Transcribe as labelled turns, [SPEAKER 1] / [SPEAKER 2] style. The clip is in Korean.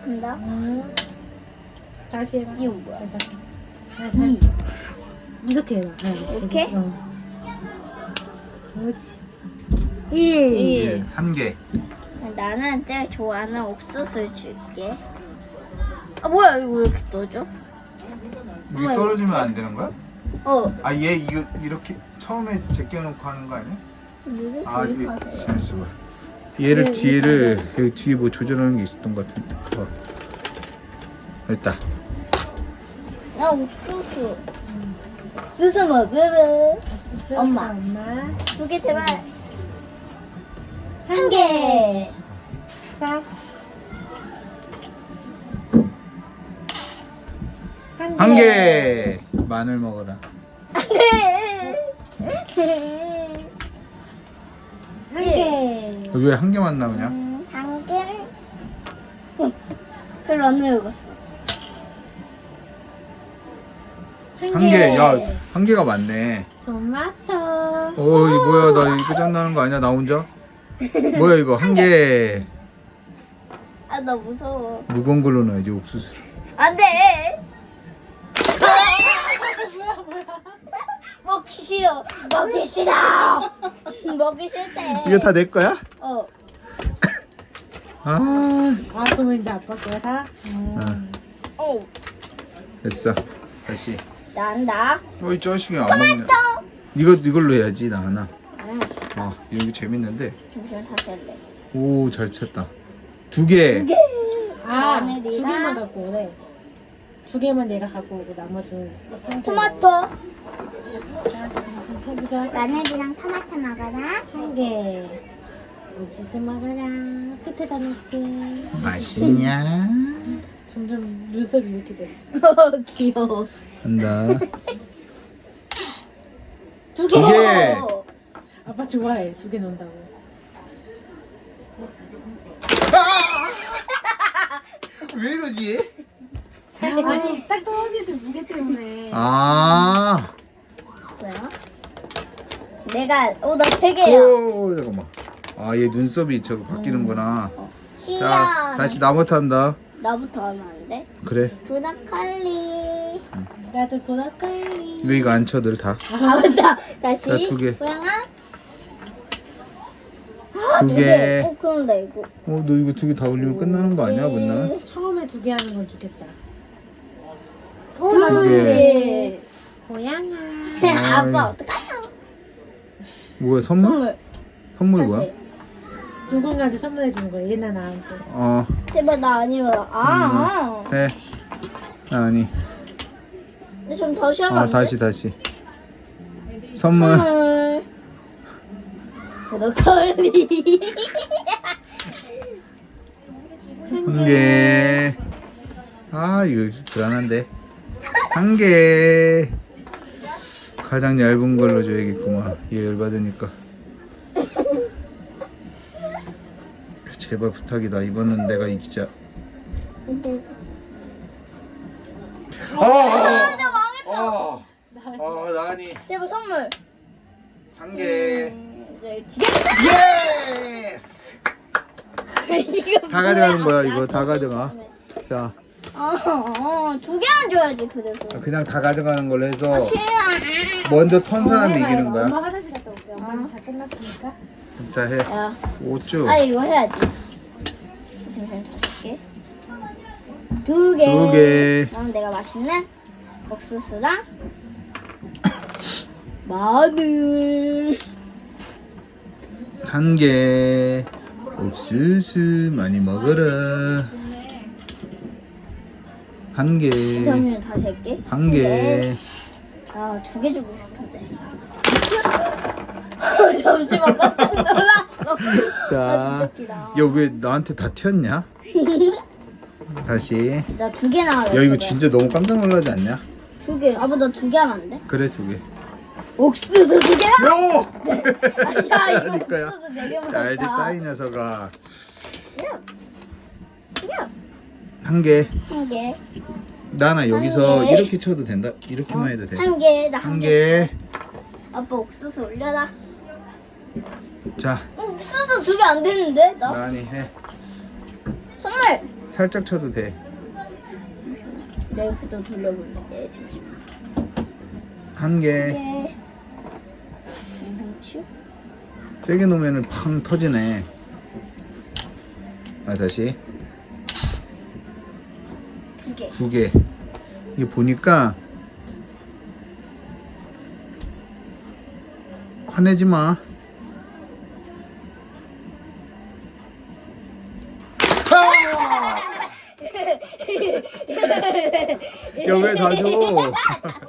[SPEAKER 1] 한다.
[SPEAKER 2] 다시 해봐.
[SPEAKER 1] 이거 뭐야?
[SPEAKER 2] 다시. 다시. 이렇게 해봐.
[SPEAKER 1] 이렇게?
[SPEAKER 2] 그렇지.
[SPEAKER 1] 1.
[SPEAKER 3] 한 개.
[SPEAKER 1] 나는 제일 좋아하는 옥수수를 줄게. 아 뭐야 이거 왜 이렇게 떠져?
[SPEAKER 3] 이게 떨어지면 안 되는 거야?
[SPEAKER 1] 어.
[SPEAKER 3] 얘 이거 이렇게 처음에 제껴놓고 하는 거 아니야?
[SPEAKER 1] 이거
[SPEAKER 3] 이게
[SPEAKER 1] 조립하세요.
[SPEAKER 3] 잠시만. 얘를 뒤에를 여기 뒤에 뭐 조절하는 게 있었던 것 같은데. 됐다.
[SPEAKER 1] 나 옥수수. 옥수수 먹으래.
[SPEAKER 2] 옥수수.
[SPEAKER 1] 엄마.
[SPEAKER 2] 엄마.
[SPEAKER 1] 2개 제발. 1개.
[SPEAKER 2] 자.
[SPEAKER 3] 한 개. 마늘 먹어라.
[SPEAKER 1] 안돼.
[SPEAKER 2] 한 개.
[SPEAKER 3] 왜 한 개만 나오냐?
[SPEAKER 1] 당근. 별로 안 읽었어.
[SPEAKER 3] 한 개. 야, 한 개가 많네.
[SPEAKER 2] 토마토.
[SPEAKER 3] 이거 뭐야? 나 이거 짠나는 거 아니야? 나 혼자? 뭐야 이거 한 개.
[SPEAKER 1] 아 나 무서워.
[SPEAKER 3] 무거운 걸로 넣어야지 옥수수를.
[SPEAKER 1] 안돼. 먹기 싫어. 먹기 싫어. 먹기 싫대.
[SPEAKER 3] 이거 다 내 거야?
[SPEAKER 1] 어.
[SPEAKER 2] 그러면 이제 아빠 거야 다?
[SPEAKER 1] 어.
[SPEAKER 3] 됐어. 다시.
[SPEAKER 1] 난다.
[SPEAKER 3] 이 자식이 안 먹네. 이걸로 해야지 나 하나. 이거 재밌는데.
[SPEAKER 1] 잠시만 다시 할래.
[SPEAKER 3] 오, 잘 쳤다. 2개.
[SPEAKER 1] 2개.
[SPEAKER 2] 두 개만 갖고 오래. 2개만 얘가 갖고 오고 나머지는
[SPEAKER 1] 토마토.
[SPEAKER 2] 자, 해보자.
[SPEAKER 1] 마늘이랑 토마토 먹어라.
[SPEAKER 2] 한 개. 옥수수 먹어라. 끝에다 놓을게.
[SPEAKER 3] 맛있냐?
[SPEAKER 2] 점점 눈썹이 이렇게 돼.
[SPEAKER 1] 귀여워.
[SPEAKER 3] 한다.
[SPEAKER 2] 2개.
[SPEAKER 3] 2개.
[SPEAKER 2] 아빠 좋아해. 2개 넣는다고.
[SPEAKER 3] 왜 이러지?
[SPEAKER 2] 아니 딱 떨어질 때 무게 때문에.
[SPEAKER 1] 뭐야? 내가 나 3개야.
[SPEAKER 3] 오, 잠깐만. 얘 눈썹이 저거 바뀌는구나. 자,
[SPEAKER 1] 시야.
[SPEAKER 3] 다시 나부터 한다.
[SPEAKER 1] 나부터 하면 안 돼?
[SPEAKER 3] 그래.
[SPEAKER 1] 브로콜리.
[SPEAKER 2] 나도 보라까이.
[SPEAKER 3] 왜 이거 안 쳐, 늘 다?
[SPEAKER 1] 아 맞다. 다시.
[SPEAKER 3] 자, 2개.
[SPEAKER 1] 고양아.
[SPEAKER 3] 2개.
[SPEAKER 1] 그럼 나 이거.
[SPEAKER 3] 너 이거 2개 다 올리면 끝나는 거 아니야, 못나?
[SPEAKER 2] 처음에 2개 하는 건 좋겠다.
[SPEAKER 1] 2개.
[SPEAKER 2] 고양아.
[SPEAKER 1] 아빠 어떡하냐?
[SPEAKER 3] 뭐야, 선물? 선물이 뭐야?
[SPEAKER 1] 다시.
[SPEAKER 2] 누군가한테 선물해 주는 거야. 얘나 나한테.
[SPEAKER 1] 제발 나 아니면
[SPEAKER 3] 해. 아니.
[SPEAKER 1] 근데 좀 다시 하면 안 돼?
[SPEAKER 3] 다시. 선물.
[SPEAKER 1] 브로콜리.
[SPEAKER 3] 한 개. 이거 불안한데. 한 개. 가장 얇은 걸로 줘야겠구만. 얘 열받으니까. 제발 부탁이다. 이번은 내가 이기자.
[SPEAKER 1] 나 망했다.
[SPEAKER 3] 나니.
[SPEAKER 1] 제발 선물.
[SPEAKER 3] 한 개.
[SPEAKER 1] 네, 지게.
[SPEAKER 3] 예스!
[SPEAKER 1] 이거
[SPEAKER 3] 다 가져가는 거야, 이거. 다 가져가. 자,
[SPEAKER 1] 2개만 줘야지 그래서.
[SPEAKER 3] 그냥 다 가져가는 걸로 해서
[SPEAKER 1] 싫어.
[SPEAKER 3] 먼저 턴 사람이 이기는
[SPEAKER 2] 엄마
[SPEAKER 3] 거야.
[SPEAKER 2] 화장실 갔다 올게. 엄마는 다 끝났으니까.
[SPEAKER 3] 자, 해.
[SPEAKER 1] 야.
[SPEAKER 3] 5쭉.
[SPEAKER 1] 이거 해야지. 잠시만 다시 할게. 2개.
[SPEAKER 3] 2개.
[SPEAKER 1] 그럼 내가 맛있는 옥수수랑 마늘.
[SPEAKER 3] 한 개. 옥수수 많이 먹어라. 한 개.
[SPEAKER 1] 잠시만 다시 할게.
[SPEAKER 3] 한 개.
[SPEAKER 1] 2개 주고 싶은데. 잠시만 깜짝 놀랐어.
[SPEAKER 3] 자,
[SPEAKER 1] 진짜 웃기다.
[SPEAKER 3] 야, 왜 나한테 다 튀었냐? 다시.
[SPEAKER 1] 나 2개 나와요.
[SPEAKER 3] 야, 이거 진짜 너무 깜짝 놀라지 않냐?
[SPEAKER 1] 2개. 아빠 나 2개 하면 안 돼?
[SPEAKER 3] 그래, 2개.
[SPEAKER 1] 옥수수 2개랑?
[SPEAKER 3] 요!
[SPEAKER 1] 야 이거
[SPEAKER 3] 아닐 거야.
[SPEAKER 1] 옥수수 4개
[SPEAKER 3] 자, 알지,
[SPEAKER 1] 먹었다.
[SPEAKER 3] 따이 녀석아.
[SPEAKER 1] 야.
[SPEAKER 3] 한 개.
[SPEAKER 1] 1개.
[SPEAKER 3] 나나 여기서
[SPEAKER 1] 한 개.
[SPEAKER 3] 이렇게 쳐도 된다. 이렇게만 해도 돼.
[SPEAKER 1] 1개. 나
[SPEAKER 3] 한
[SPEAKER 1] 1개.
[SPEAKER 3] 개.
[SPEAKER 1] 아빠 옥수수 올려라.
[SPEAKER 3] 자,
[SPEAKER 1] 옥수수 2개 안 되는데? 나?
[SPEAKER 3] 나니 해.
[SPEAKER 1] 선물.
[SPEAKER 3] 살짝 쳐도 돼.
[SPEAKER 1] 내가 그도 돌려볼게. 잠시만.
[SPEAKER 3] 한 개.
[SPEAKER 1] 네. 영상추?
[SPEAKER 3] 세게 놓으면 팡 터지네. 아, 다시.
[SPEAKER 1] 2개.
[SPEAKER 3] 2개. 이게 보니까 화내지 마. 야, 왜 다 줘?